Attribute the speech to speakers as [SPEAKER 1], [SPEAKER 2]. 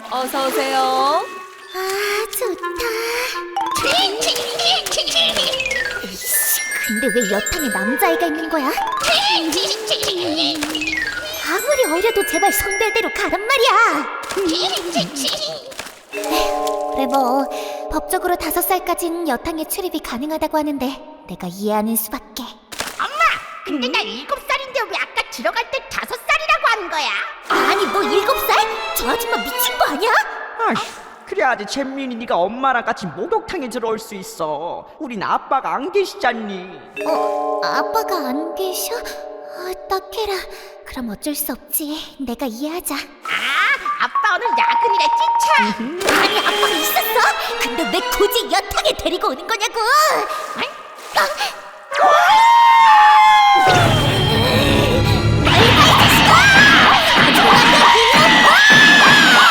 [SPEAKER 1] 어서 오세요.
[SPEAKER 2] 아, 좋다. 에이씨, 근데 왜 여탕에 남자애가 있는 거야? 아무리 어려도 제발 성별대로 가란 말이야. 그래 뭐 법적으로 5살까진 여탕에 출입이 가능하다고 하는데 내가 이해하는 수밖에.
[SPEAKER 3] 엄마! 근데 나 7살인데 왜 아까 들어갈 때 5살이라고 하는 거야?
[SPEAKER 2] 아니 뭐 7살? 저 아줌마 미친 거 아니야?
[SPEAKER 4] 아휴, 그래야지 잼민이 네가 엄마랑 같이 목욕탕에 들어올 수 있어. 우린 아빠가 안 계시잖니.
[SPEAKER 2] 아빠가 안 계셔? 딱해라. 그럼 어쩔 수 없지. 내가 이해하자.
[SPEAKER 3] 아빠 오늘 야근이라 찐차!
[SPEAKER 2] 아니 아빠가 있었어? 근데 왜 굳이 여탕에 데리고 오는 거냐고?